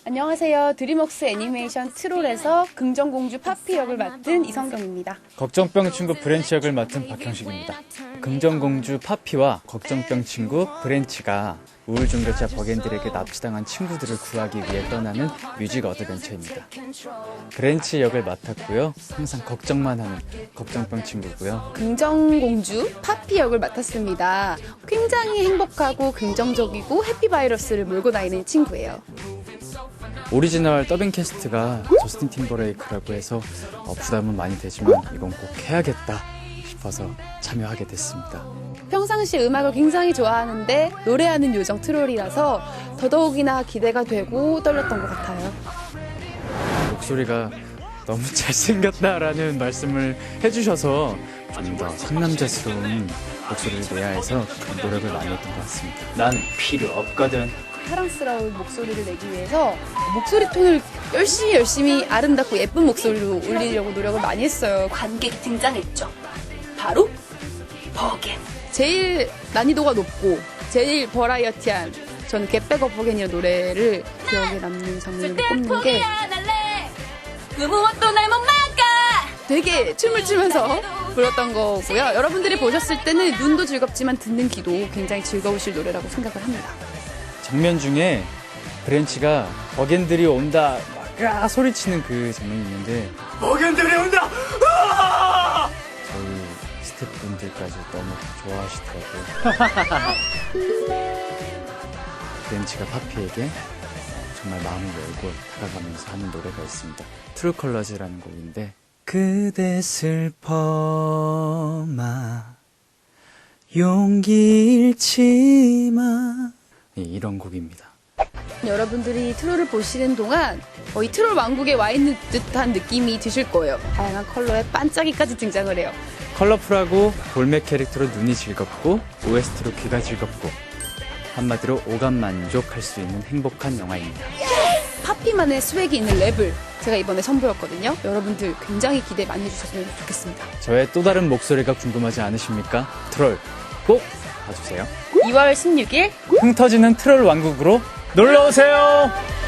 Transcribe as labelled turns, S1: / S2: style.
S1: 안녕하세요. 드림웍스 애니메이션 트롤에서 긍정공주 파피 역을 맡은 이성경입니다.
S2: 걱정병 친구 브랜치 역을 맡은 박형식입니다. 긍정공주 파피와 걱정병 친구 브랜치가 우울종교자 버겐들에게 납치당한 친구들을 구하기 위해 떠나는 뮤직 어드벤처입니다. 브랜치 역을 맡았고요. 항상 걱정만 하는 걱정병 친구고요.
S1: 긍정공주 파피 역을 맡았습니다. 굉장히 행복하고 긍정적이고 해피바이러스를 몰고 다니는 친구예요.
S2: 오리지널 더빙 캐스트가 저스틴 팀버레이크라고 해서 부담은 많이 되지만 이건 꼭 해야겠다 싶어서 참여하게 됐습니다.
S1: 평상시 음악을 굉장히 좋아하는데 노래하는 요정 트롤이라서 더더욱이나 기대가 되고 떨렸던 것 같아요.
S2: 목소리가 너무 잘생겼다라는 말씀을 해주셔서 좀 더 상남자스러운 목소리를 내야 해서 노력을 많이 했던 것 같습니다. 난 필요 없거든.
S1: 사랑스러운 목소리를 내기 위해서 목소리 톤을 열심히 아름답고 예쁜 목소리로 올리려고 노력을 많이 했어요. 관객이 등장했죠. 바로 버겐. 제일 난이도가 높고 제일 버라이어티한 저는 겟백업 버겐이라는 노래를 기억에 남는 장면으로 꼽는 게 그 무엇도 날 못 막아! 되게 춤을 추면서 불렀던 거고요. 여러분들이 보셨을 때는 눈도 즐겁지만 듣는 귀도 굉장히 즐거우실 노래라고 생각을 합니다.
S2: 장면 중에 브랜치가 버겐들이 온다 막 소리치는 그 장면이 있는데 버겐들이 온다! 으아! 저희 스태프분들까지 너무 좋아하시더라고요. 브랜치가 파피에게 정말 마음을 열고 다가가면서 하는 노래가 있습니다. 트루 컬러즈라는 곡인데 그대 슬퍼마 용기 잃지마 이런 곡입니다.
S1: 여러분들이 트롤을 보시는 동안 거의 트롤 왕국에 와 있는 듯한 느낌이 드실 거예요. 다양한 컬러의 반짝이까지 등장을 해요.
S2: 컬러풀하고 볼맥 캐릭터로 눈이 즐겁고 OST로 귀가 즐겁고 한마디로 오감 만족할 수 있는 행복한 영화입니다.
S1: 파피만의 스웩이 있는 랩을 제가 이번에 선보였거든요. 여러분들 굉장히 기대 많이 해주셨으면 좋겠습니다.
S2: 저의 또 다른 목소리가 궁금하지 않으십니까? 트롤 꼭 봐주세요.
S1: 2월 16일
S2: 흥 터지는 트롤 왕국으로 놀러오세요.